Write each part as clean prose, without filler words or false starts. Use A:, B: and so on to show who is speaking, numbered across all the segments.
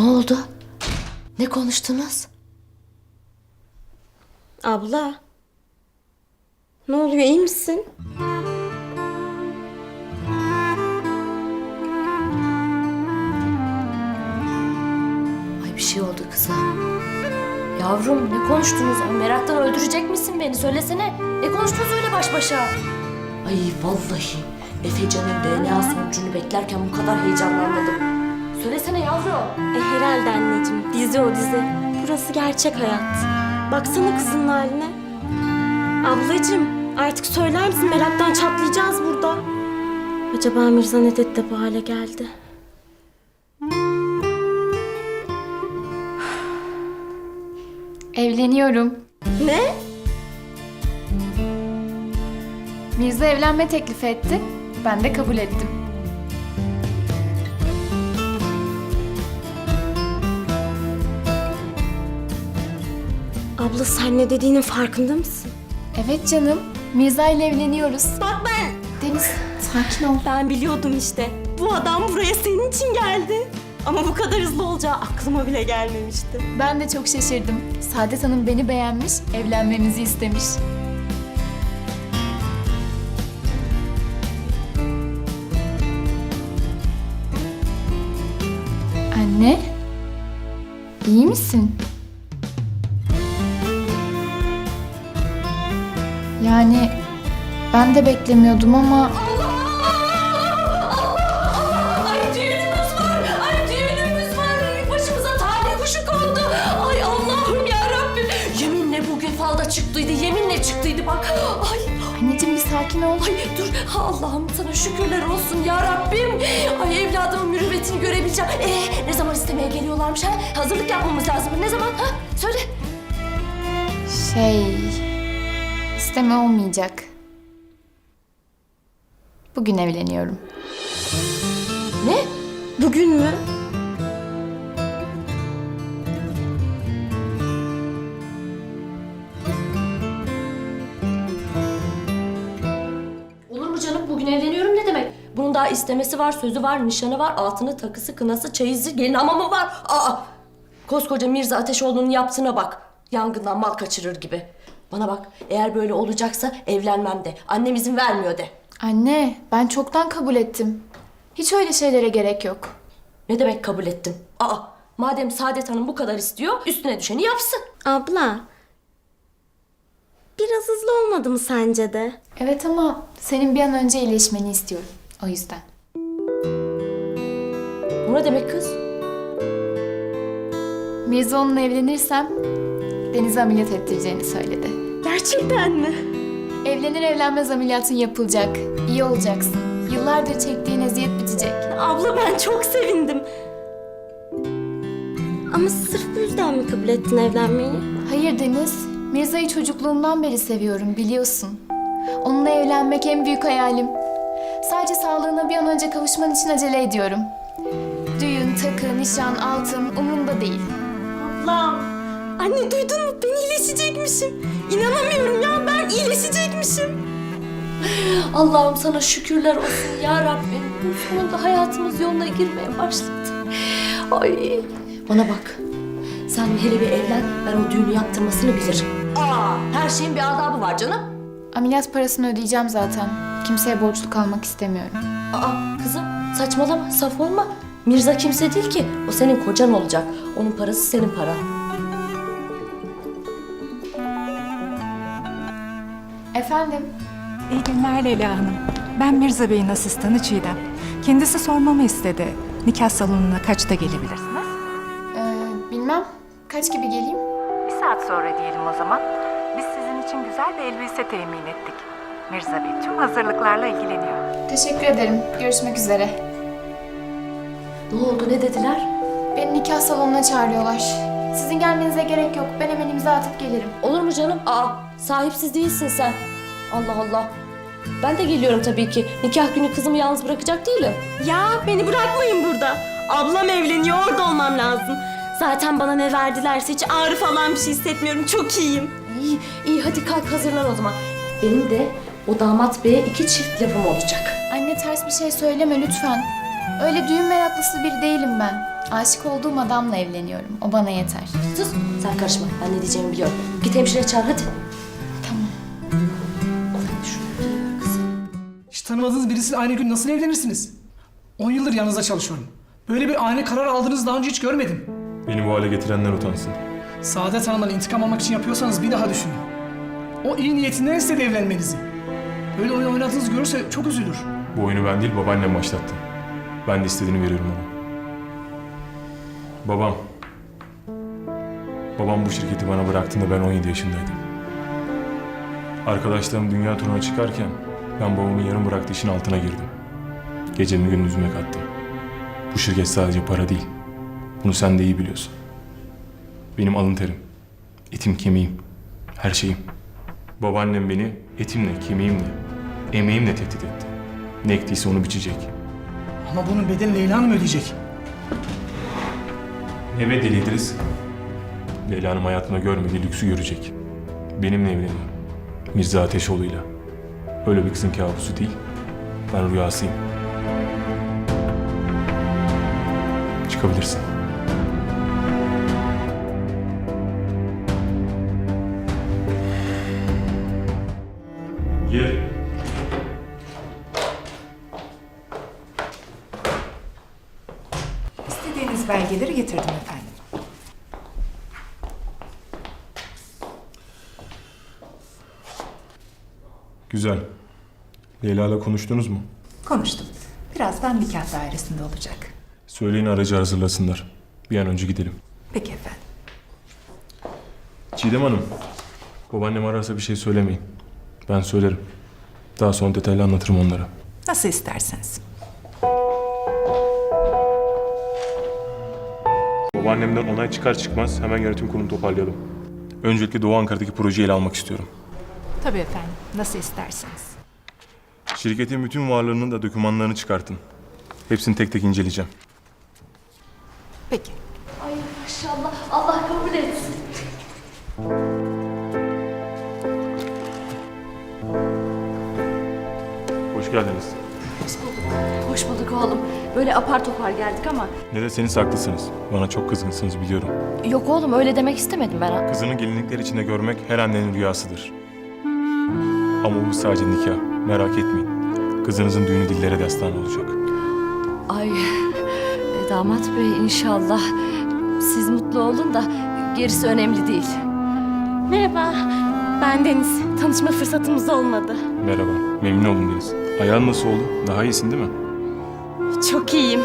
A: Ne oldu? Ne konuştunuz?
B: Abla. Ne oluyor, iyi misin?
A: Ay bir şey oldu kıza. Yavrum ne konuştunuz? Ay, meraktan öldürecek misin beni? Söylesene. Ne konuştunuz öyle baş başa? Ay vallahi Efecan'ın DNA sonucunu beklerken bu kadar heyecanlanmadım. Söylesene yavrum.
B: Herhalde anneciğim. Dizi o dizi. Burası gerçek hayat. Baksana kızın haline. Ablacığım artık söyler misin? Meraktan çatlayacağız burada. Acaba Mirza ne dedi de bu hale geldi?
C: Evleniyorum.
B: Ne?
C: Mirza evlenme teklifi etti. Ben de kabul ettim.
B: Abla sen ne dediğinin farkında mısın?
C: Evet canım. Mirza ile evleniyoruz.
B: Bak ben...
C: Deniz, sakin ol.
B: Ben biliyordum işte. Bu adam buraya senin için geldi. Ama bu kadar hızlı olacağı aklıma bile gelmemişti.
C: Ben de çok şaşırdım. Saadet Hanım beni beğenmiş, evlenmemizi istemiş. Anne, iyi misin? Yani ben de beklemiyordum ama...
A: Ay düğünümüz var. Ay düğünümüz var. Başımıza talih kuşu kondu. Ay Allah'ım yarabbim. Yeminle bugün falda çıktıydı. Yeminle çıktıydı bak. Ay.
C: Anneciğim bir sakin ol.
A: Ay dur. Allah'ım sana şükürler olsun ya Rabbim. Ay evladımın mürüvvetini görebileceğim. Ne zaman istemeye geliyorlarmış ha? Hazırlık yapmamız lazım. Ne zaman ha? Söyle.
C: İsteme olmayacak. Bugün evleniyorum.
A: Ne?
B: Bugün mü?
A: Olur mu canım? Bugün evleniyorum ne demek? Bunun daha istemesi var, sözü var, nişanı var, altını, takısı, kınası, çeyizi, gelin hamamı var. Aa! Koskoca Mirza Ateşoğlu'nun yaptığına bak. Yangından mal kaçırır gibi. Bana bak, eğer böyle olacaksa evlenmem de. Annem izin vermiyor de.
C: Anne, ben çoktan kabul ettim. Hiç öyle şeylere gerek yok.
A: Ne demek kabul ettim? Aa! Madem Saadet Hanım bu kadar istiyor, üstüne düşeni yapsın.
B: Abla. Biraz hızlı olmadı mı sence de?
C: Evet ama senin bir an önce iyileşmeni istiyorum. O yüzden.
A: Bu ne demek kız?
C: Mirza onunla evlenirsem Deniz'i ameliyat ettireceğini söyledi.
B: Gerçekten mi?
C: Evlenir evlenmez ameliyatın yapılacak. İyi olacaksın. Yıllardır çektiğin eziyet bitecek.
B: Abla ben çok sevindim. Ama sırf bu yüzden mi kabul ettin evlenmeyi?
C: Hayır Deniz, Mirza'yı çocukluğumdan beri seviyorum biliyorsun. Onunla evlenmek en büyük hayalim. Sadece sağlığına bir an önce kavuşman için acele ediyorum. Düğün, takı, nişan, altın umurumda değil.
B: Ablam. Anne duydun mu? Ben iyileşecekmişim. İnanamıyorum ya, ben iyileşecekmişim.
A: Allah'ım sana şükürler olsun ya Rabbim. Sonunda hayatımız yoluna girmeye başladı. Ay. Bana bak. Sen hele bir evlen, ben o düğünü yaptırmasını bilirim. Her şeyin bir adabı var canım.
C: Ameliyat parasını ödeyeceğim zaten. Kimseye borçlu kalmak istemiyorum.
A: Kızım saçmalama, saf olma. Mirza kimse değil ki. O senin kocan olacak. Onun parası senin paran.
C: Efendim?
D: İyi günler Leyla Hanım. Ben Mirza Bey'in asistanı Çiğdem. Kendisi sormamı istedi. Nikah salonuna kaçta gelebilirsiniz?
C: Bilmem. Kaç gibi geleyim?
D: Bir saat sonra diyelim o zaman. Biz sizin için güzel bir elbise temin ettik. Mirza Bey tüm hazırlıklarla ilgileniyor.
C: Teşekkür ederim. Görüşmek üzere.
A: Ne oldu, ne dediler?
C: Beni nikah salonuna çağırıyorlar. Sizin gelmenize gerek yok. Ben hemen imza atıp gelirim.
A: Olur mu canım? Sahipsiz değilsin sen. Allah Allah. Ben de geliyorum tabii ki. Nikah günü kızımı yalnız bırakacak değilim.
B: Ya beni bırakmayın burada. Ablam evleniyor, orada olmam lazım. Zaten bana ne verdilerse hiç ağrı falan bir şey hissetmiyorum. Çok iyiyim.
A: İyi, iyi hadi kalk hazırlan o zaman. Benim de o damat beye 2 çift lafım olacak.
C: Anne ters bir şey söyleme lütfen. Öyle düğün meraklısı biri değilim ben. Aşık olduğum adamla evleniyorum. O bana yeter.
A: Sus, sen karışma. Ben ne diyeceğimi biliyorum. Git hemşire çağır hadi.
C: Tamam.
E: Hiç tanımadığınız birisiyle aynı gün nasıl evlenirsiniz? 10 yıldır yanınızda çalışıyorum. Böyle bir ani karar aldığınızı daha önce hiç görmedim.
F: Beni bu hale getirenler utansın.
E: Saadet Hanım'dan intikam almak için yapıyorsanız bir daha düşünün. O iyi niyetinden istedi evlenmenizi. Böyle oyun oynadığınızı görürse çok üzülür.
F: Bu oyunu ben değil, babaannem başlattı. Ben de istediğini veriyorum ona. Babam. Babam bu şirketi bana bıraktığında ben 17 yaşındaydım. Arkadaşlarım dünya turuna çıkarken ben babamın yarım bıraktığı işin altına girdim. Gecemi gündüzüme kattım. Bu şirket sadece para değil. Bunu sen de iyi biliyorsun. Benim alın terim, etim kemiğim, her şeyim. Babaannem beni etimle, kemiğimle, emeğimle tehdit etti. Ne ektiyse onu biçecek.
E: Ama bunun bedelini Leyla Hanım ödeyecek.
F: Ne bedeli İdris? Leyla Hanım hayatında görmediği lüksü görecek. Benimle evleniyor. Mirza Ateşoğlu'yla. Öyle bir kızın kabusu değil. Ben rüyasıyım. Çıkabilirsin. Gel.
D: İstediğiniz belgeleri getirdim efendim.
F: Güzel. Leyla'yla konuştunuz mu?
D: Konuştum. Birazdan nikah dairesinde olacak.
F: Söyleyin aracı hazırlasınlar. Bir an önce gidelim.
D: Peki efendim.
F: Çiğdem Hanım, babaannem ararsa bir şey söylemeyin. Ben söylerim. Daha sonra detaylı anlatırım onlara.
D: Nasıl isterseniz.
F: Babaannemden onay çıkar çıkmaz hemen yönetim kurulunu toparlayalım. Öncelikle Doğu Ankara'daki projeyi ele almak istiyorum.
D: Tabii efendim. Nasıl isterseniz.
F: Şirketin bütün varlığının da dokümanlarını çıkartın. Hepsini tek tek inceleyeceğim.
D: Peki.
A: Ay maşallah. Allah kabul etsin.
F: Hoş geldiniz.
A: Hoş bulduk. Hoş bulduk oğlum. Böyle apar topar geldik ama.
F: Ne deseniz haklısınız. Bana çok kızgınsınız biliyorum.
A: Yok oğlum öyle demek istemedim ben.
F: Kızını gelinlikler içinde görmek her annenin rüyasıdır. Ama bu sadece nikah. Merak etmeyin. Kızınızın düğünü dillere destan olacak.
A: Ay damat bey inşallah siz mutlu olun da gerisi önemli değil.
B: Merhaba, ben Deniz. Tanışma fırsatımız olmadı.
F: Merhaba. Memnun oldum Deniz. Ayağın nasıl oldu? Daha iyisin değil mi?
B: Çok iyiyim.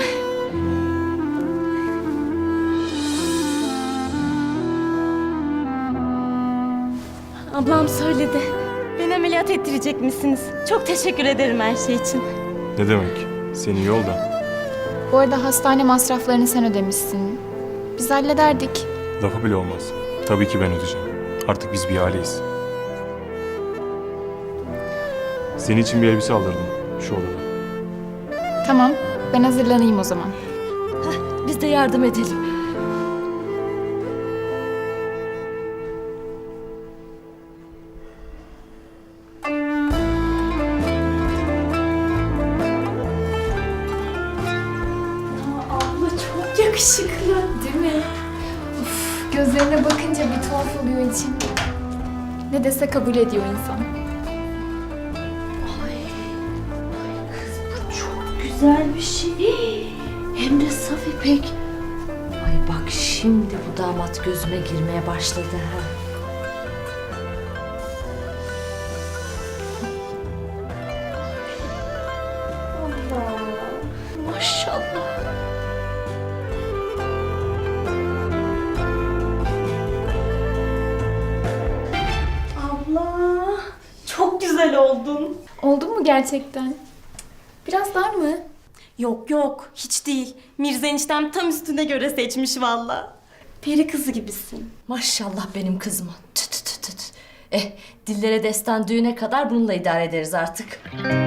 B: Ablam söyledi. Beni ameliyat ettirecek misiniz? Çok teşekkür ederim her şey için.
F: Ne demek? Seni yolda.
C: Bu arada hastane masraflarını sen ödemişsin. Biz hallederdik.
F: Lafı bile olmaz. Tabii ki ben ödeyeceğim. Artık biz bir aileyiz. Senin için bir elbise aldırdım şu odada.
C: Tamam, ben hazırlanayım o zaman.
A: Biz de yardım edelim.
B: Abla çok yakışıklı.
C: Değil mi? Uf, gözlerine bakınca bir tuhaf oluyor içim. Ne dese kabul ediyor insan.
A: Çok güzel bir şey. Hem de saf ipek. Ay bak şimdi bu damat gözüme girmeye başladı ha. Allah. Maşallah.
B: Abla, çok güzel oldun.
C: Oldu mu gerçekten? Biraz dar mı?
B: Yok yok, hiç değil. Mirza eniştem tam üstüne göre seçmiş valla. Peri kızı gibisin.
A: Maşallah benim kızıma. Tüt tüt tüt. Dillere destan düğüne kadar bununla idare ederiz artık.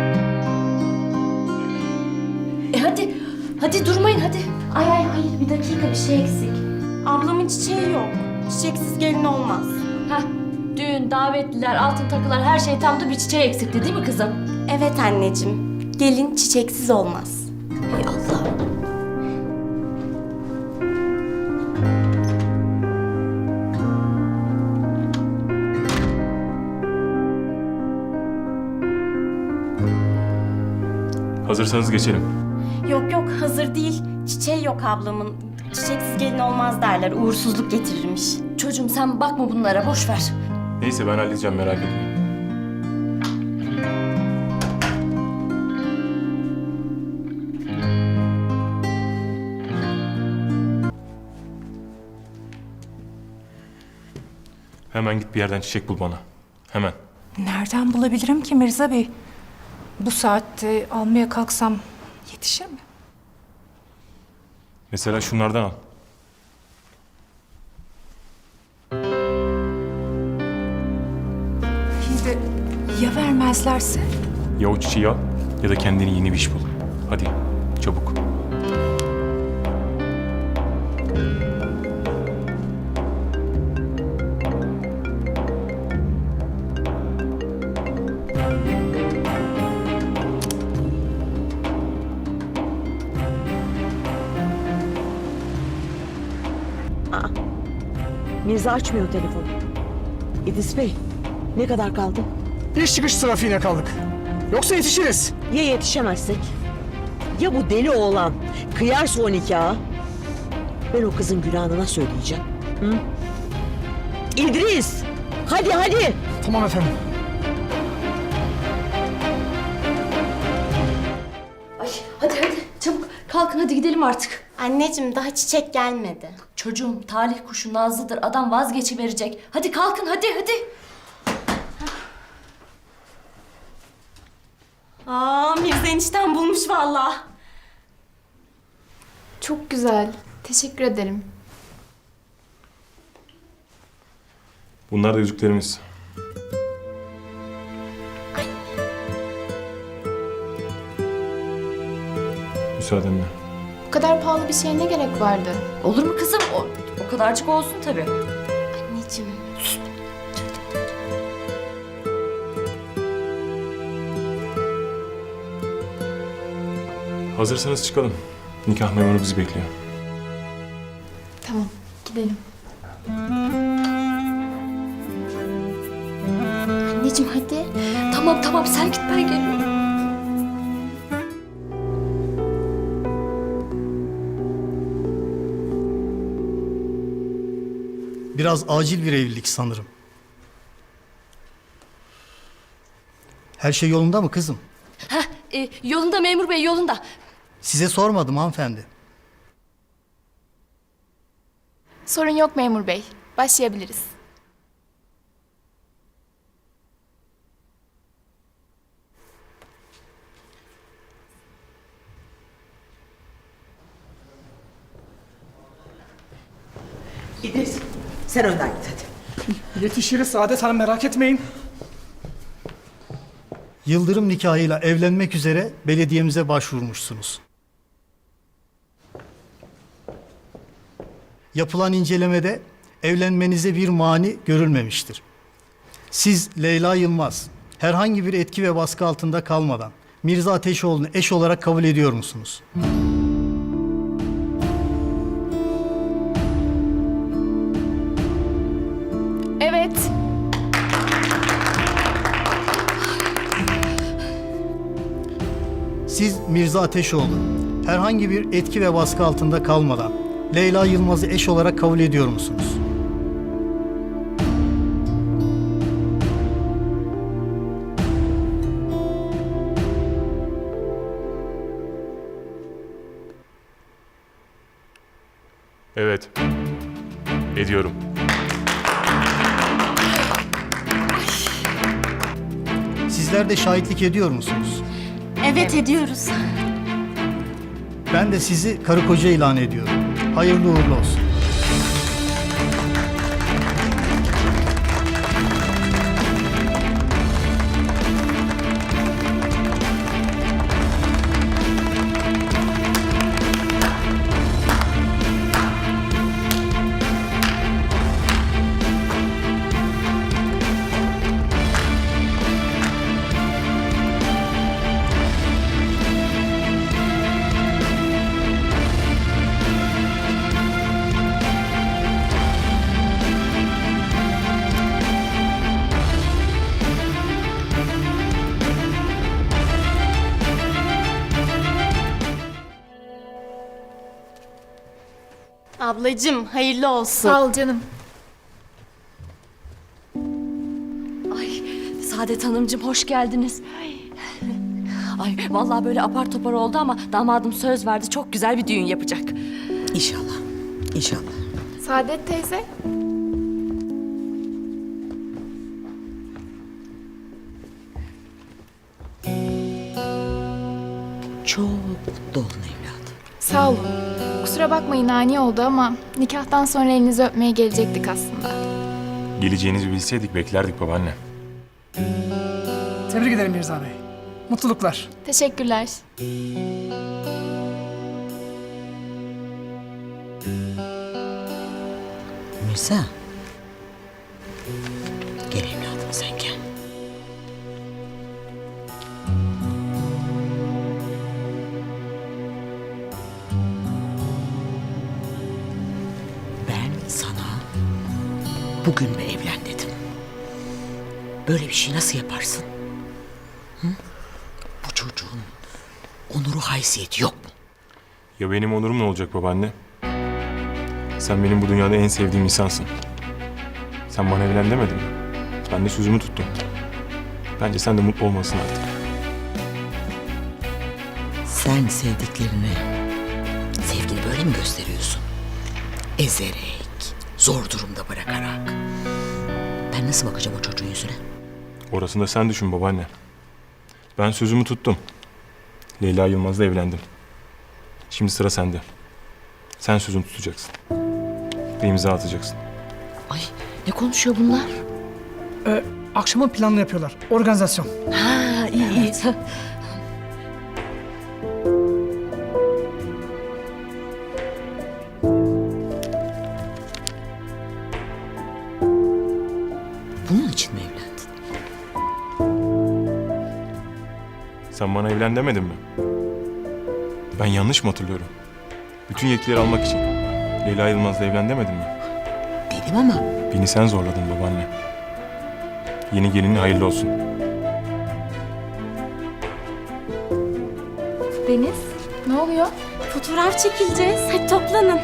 A: Hadi. Hadi durmayın hadi.
B: Ay hayır, bir dakika, bir şey eksik. Ablamın çiçeği yok. Çiçeksiz gelin olmaz.
A: Heh, düğün, davetliler, altın takılar her şey tamdı bir çiçeği eksikti değil mi kızım?
B: Evet anneciğim, gelin çiçeksiz olmaz.
A: Ey Allah'ım.
F: Hazırsanız geçelim.
B: Yok yok hazır değil. Çiçeği yok ablamın. Çiçeksiz gelin olmaz derler. Uğursuzluk getirirmiş.
A: Çocuğum sen bakma bunlara, boş ver.
F: Neyse ben halledeceğim, merak etmeyin. Hemen git bir yerden çiçek bul bana. Hemen.
D: Nereden bulabilirim ki Mirza Bey? Bu saatte almaya kalksam yetişir mi?
F: Mesela şunlardan al.
D: İyi de ya vermezlerse?
F: Ya o çiçeği al ya da kendine yeni bir iş bul. Hadi çabuk.
G: Mirza açmıyor telefonu. İdris Bey, ne kadar kaldı?
E: İş çıkış trafiğine kaldık. Yoksa yetişiriz.
G: Ya yetişemezsek? Ya bu deli oğlan kıyarsa o nikahı? Ben o kızın günahını nasıl ödeyeceğim? Hı? İdris! Hadi hadi!
E: Tamam efendim.
A: Ay hadi çabuk kalkın, hadi gidelim artık.
B: Anneciğim daha çiçek gelmedi.
A: Çocuğum talih kuşu Nazlı'dır, adam vazgeçiverecek. Hadi kalkın, hadi.
B: Aa Mirza enişten bulmuş vallahi.
C: Çok güzel. Teşekkür ederim.
F: Bunlar da yüzüklerimiz. Müsaadenle.
C: Bu kadar pahalı bir şeye ne gerek vardı?
A: Olur mu kızım? O kadarcık olsun tabii.
B: Anneciğim.
F: Hazırsanız çıkalım. Nikah memuru bizi bekliyor.
C: Tamam, gidelim.
B: Anneciğim hadi.
A: Tamam sen git, ben geliyorum.
H: Biraz acil bir evlilik sanırım. Her şey yolunda mı kızım?
A: Yolunda memur bey, yolunda.
H: Size sormadım hanımefendi.
C: Sorun yok memur bey. Başlayabiliriz.
G: İdris, sen önden git hadi.
E: Yetişiriz Saadet Hanım, merak etmeyin.
H: Yıldırım nikahıyla evlenmek üzere belediyemize başvurmuşsunuz. Yapılan incelemede evlenmenize bir mani görülmemiştir. Siz Leyla Yılmaz herhangi bir etki ve baskı altında kalmadan Mirza Ateşoğlu'nu eş olarak kabul ediyor musunuz?
C: Evet.
H: Siz Mirza Ateşoğlu herhangi bir etki ve baskı altında kalmadan Leyla Yılmaz'ı eş olarak kabul ediyor musunuz?
F: Evet. Ediyorum.
H: Sizler de şahitlik ediyor musunuz?
B: Evet ediyoruz.
H: Ben de sizi karı koca ilan ediyorum. Hayırlı uğurlu olsun.
B: Ablacığım hayırlı olsun.
C: Sağ ol canım.
A: Ay Saadet Hanımcığım hoş geldiniz. Ay vallahi böyle apar topar oldu ama damadım söz verdi. Çok güzel bir düğün yapacak.
G: İnşallah. İnşallah.
C: Saadet teyze.
G: Çok mutlu olun evladım.
C: Sağ olun. Kusura bakmayın ani oldu ama nikahtan sonra elinizi öpmeye gelecektik aslında.
F: Geleceğinizi bilseydik beklerdik babaanne.
E: Tebrik ederim Mirza Bey. Mutluluklar.
C: Teşekkürler.
G: Mirza. Gel evladım sen gel. Ben sana bugün mü evlen dedim. Böyle bir şey nasıl yaparsın? Hı? Bu çocuğun onuru haysiyeti yok mu?
F: Ya benim onurum ne olacak babaanne? Sen benim bu dünyada en sevdiğim insansın. Sen bana evlen demedin mi? Ben de sözümü tuttum. Bence sen de mutlu olmalısın artık.
G: Sen sevdiklerine sevgini böyle mi gösteriyorsun? Ezerek, zor durumda bırakarak. Ben nasıl bakacağım o çocuğun yüzüne?
F: Orasını da sen düşün babaanne. Ben sözümü tuttum. Leyla Yılmaz'la evlendim. Şimdi sıra sende. Sen sözünü tutacaksın. Ve imza atacaksın.
A: Ay ne konuşuyor bunlar?
E: Akşamın planını yapıyorlar. Organizasyon.
A: Ha iyi.
G: Bunun için mi evlendin?
F: Sen bana evlen demedin mi? Ben yanlış mı hatırlıyorum? Bütün yetkileri almak için. Leyla Yılmaz'la evlen demedin mi?
G: Dedim ama
F: Beni sen zorladın babaanne. Yeni gelinin hayırlı olsun.
B: Deniz,
C: Ne oluyor?
B: fotoğraf çekileceğiz. Hadi toplanın.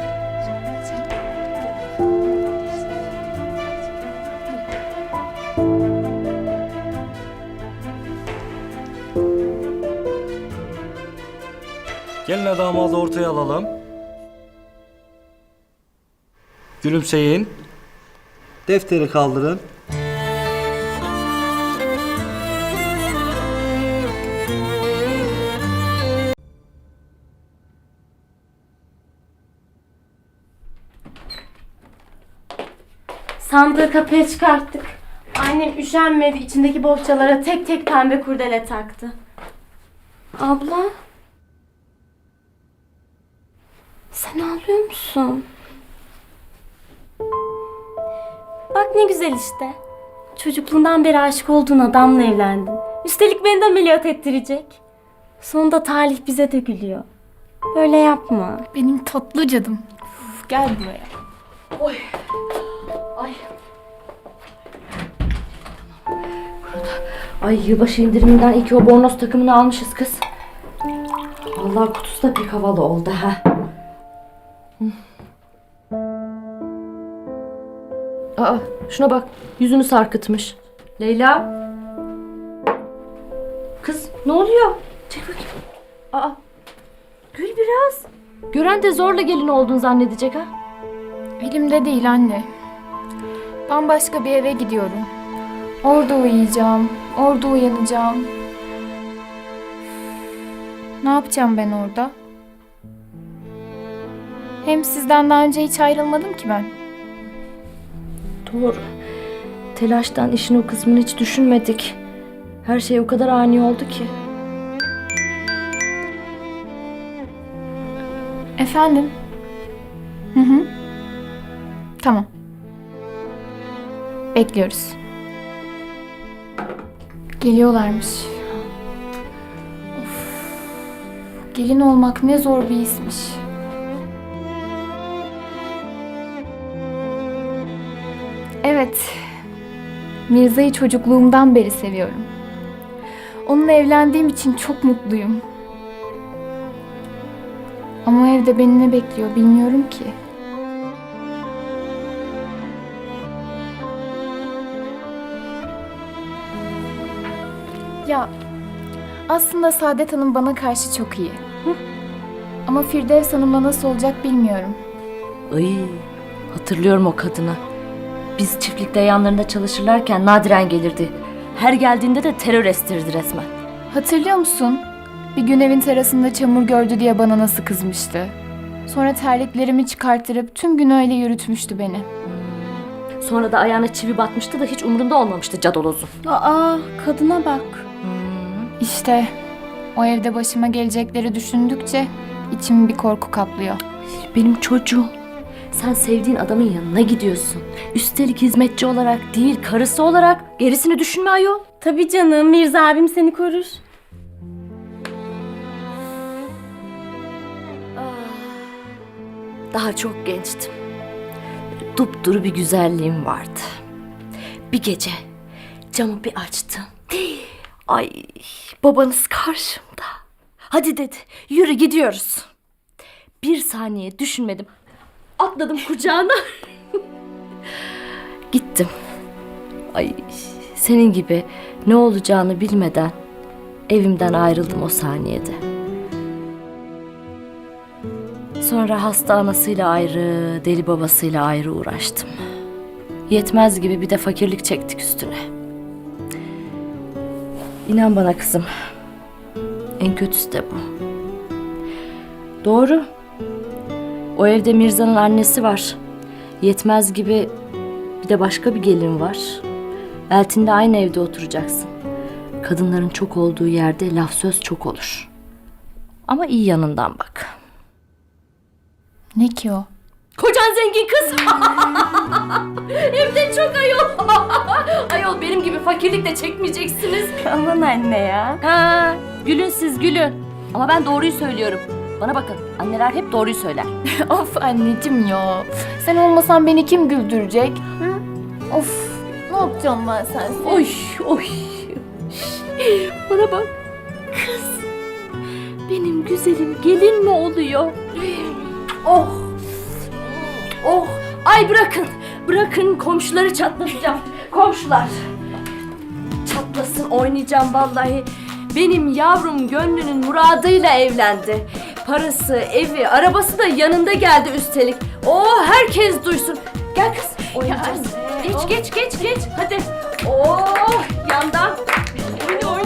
I: Gelin damadı ortaya alalım. Gülümseyin. Defteri kaldırın.
B: Sandığı kapıya çıkarttık. Annem üşenmedi, içindeki bohçalara tek tek pembe kurdele taktı. Abla. Sen ağlıyor musun? Bak ne güzel işte. Çocukluğundan beri aşık olduğun adamla evlendin. Üstelik beni de ameliyat ettirecek. Sonunda talih bize de gülüyor. Böyle yapma.
C: Benim tatlı cadım. Uf, gel buraya.
A: Ay yılbaşı indiriminden iki o bornoz takımını almışız kız. Vallahi kutusu da pek havalı oldu ha. Aa şuna bak yüzünü sarkıtmış. Leyla. Kız ne oluyor? Çek bakayım. Aa gül biraz. Gören de zorla gelin olduğunu zannedecek ha.
C: Elimde değil anne. Bambaşka bir eve gidiyorum. Orada uyuyacağım. Orada uyanacağım. Ne yapacağım ben orada? Hem sizden daha önce hiç ayrılmadım ki ben.
A: Doğru. Telaştan işin o kısmını hiç düşünmedik. Her şey o kadar ani oldu ki.
C: Efendim? Hı hı. Tamam. Bekliyoruz. Geliyorlarmış. Of. Gelin olmak ne zor bir işmiş. Evet. Mirza'yı çocukluğumdan beri seviyorum. Onunla evlendiğim için çok mutluyum. Ama evde beni ne bekliyor bilmiyorum ki. Ya aslında Saadet Hanım bana karşı çok iyi. Ama Firdevs Hanım'la nasıl olacak bilmiyorum.
A: Ay, hatırlıyorum o kadını. Biz çiftlikte yanlarında çalışırlarken nadiren gelirdi. Her geldiğinde de terör estirdi resmen.
C: Hatırlıyor musun? Bir gün evin terasında çamur gördü diye bana nasıl kızmıştı. Sonra terliklerimi çıkarttırıp tüm gün öyle yürütmüştü beni.
A: Sonra da ayağına çivi batmıştı da hiç umurunda olmamıştı cadolozun.
B: Aa, kadına bak.
C: İşte o evde başıma gelecekleri düşündükçe içimi bir korku kaplıyor.
A: Benim çocuğum. Sen sevdiğin adamın yanına gidiyorsun. Üstelik hizmetçi olarak değil, karısı olarak. Gerisini düşünme ayol.
B: Tabii canım, Mirza abim seni korur.
A: Daha çok gençtim. Dupduru bir güzelliğim vardı. Bir gece camı bir açtım. Ay, babanız karşımda. Hadi dedi, yürü gidiyoruz. Bir saniye düşünmedim. Atladım kucağına. Gittim. Ay, senin gibi ne olacağını bilmeden evimden ayrıldım o saniyede. Sonra hasta anasıyla ayrı, deli babasıyla ayrı uğraştım. Yetmez gibi bir de fakirlik çektik üstüne. İnan bana kızım, en kötüsü de bu. Doğru. O evde Mirza'nın annesi var. Yetmez gibi bir de başka bir gelin var. Eltin'le aynı evde oturacaksın. Kadınların çok olduğu yerde laf söz çok olur. Ama iyi yanından bak.
C: Ne ki o?
A: Kocan zengin kız. Hem de çok ayol. Ayol benim gibi fakirlik de çekmeyeceksiniz.
B: Aman anne ya.
A: Ha, gülün siz gülün. Ama ben doğruyu söylüyorum. Bana bakın, anneler hep doğruyu söyler.
C: Of anneciğim ya. Sen olmasan beni kim güldürecek? Hı? Of, ne yapacağım ben sensiz?
A: Oy, oy. Bana bak. Kız. Benim güzelim gelin mi oluyor? Oh. Oh. Ay bırakın. Bırakın komşuları çatlatacağım. Komşular. Çatlasın, oynayacağım vallahi. Benim yavrum gönlünün muradıyla evlendi. Parası, evi, arabası da yanında geldi üstelik. Oh, herkes duysun. Gel kız, oynayacağız. Geç. Hadi. Oh, yandan. Oyun.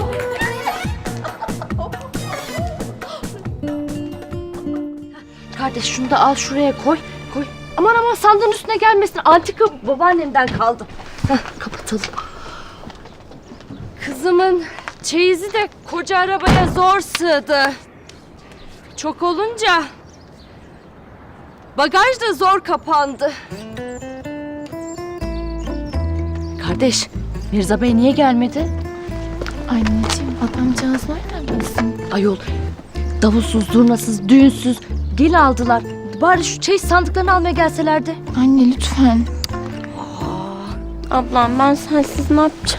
A: Kardeş şunu da al şuraya koy. Aman sandığın üstüne gelmesin. Antika babaannemden kaldı. Heh, kapatalım. Kızımın çeyizi de koca arabaya zor sığdı. Çok olunca bagaj da zor kapandı. Kardeş, Mirza Bey niye gelmedi?
C: Anneciğim, adamcağız nereden bilsin?
A: Ayol, davulsuz, zurnasız, düğünsüz gelin aldılar. Bari şu çeyiz sandıklarını almaya gelselerdi.
C: Anne lütfen.
B: Ablam ben sensiz ne yapacağım?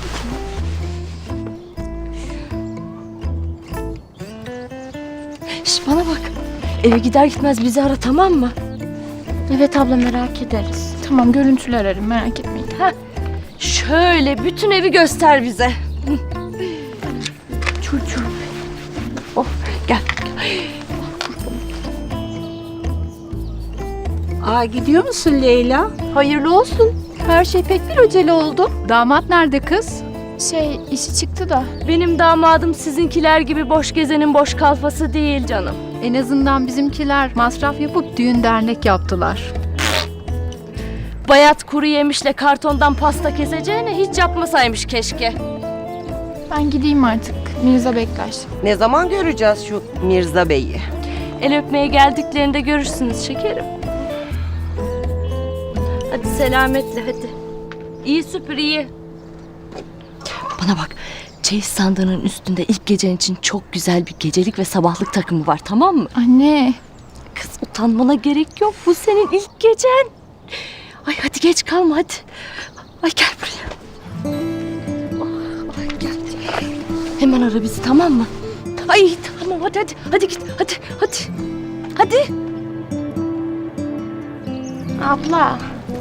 A: Şş, bana bak. Eve gider gitmez bizi ara, tamam mı?
B: Evet abla, merak ederiz.
C: Tamam, görüntülü ararım, merak etmeyin.
A: Şöyle bütün evi göster bize. Çocuğum. Oh, gel.
G: Gidiyor musun Leyla?
C: Hayırlı olsun. Her şey pek bir acele oldu.
D: Damat nerede kız?
C: İşi çıktı da.
A: Benim damadım sizinkiler gibi boş gezenin boş kalfası değil canım.
D: En azından bizimkiler masraf yapıp düğün dernek yaptılar.
A: Bayat kuru yemişle kartondan pasta keseceğine hiç yapmasaymış keşke.
C: Ben gideyim artık. Mirza bekler.
J: Ne zaman göreceğiz şu Mirza Bey'i?
A: El öpmeye geldiklerinde görürsünüz şekerim. Hadi selametle hadi. İyi süpür iyi. Bana bak, çeyiz sandığının üstünde ilk gecen için çok güzel bir gecelik ve sabahlık takımı var, tamam mı?
C: Anne.
A: Kız utanmana gerek yok, bu senin ilk gecen. Ay hadi geç kalma hadi. Ay gel buraya. Ay gel. Hemen ara bizi, tamam mı? Ay tamam hadi git hadi.
B: Hadi. Abla.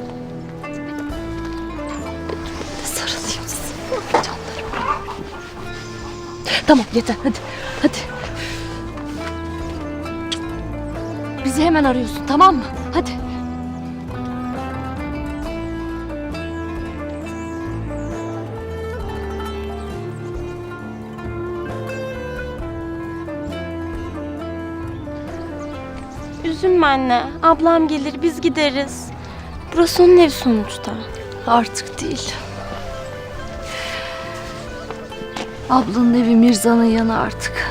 B: Sarılayım size.
A: Tamam yeter hadi. Hadi. Bizi hemen arıyorsun tamam mı? Hadi.
B: Üzülme anne. Ablam gelir biz gideriz. Burası onun evi sonuçta.
A: Artık değil. Ablanın evi Mirza'nın yanı artık.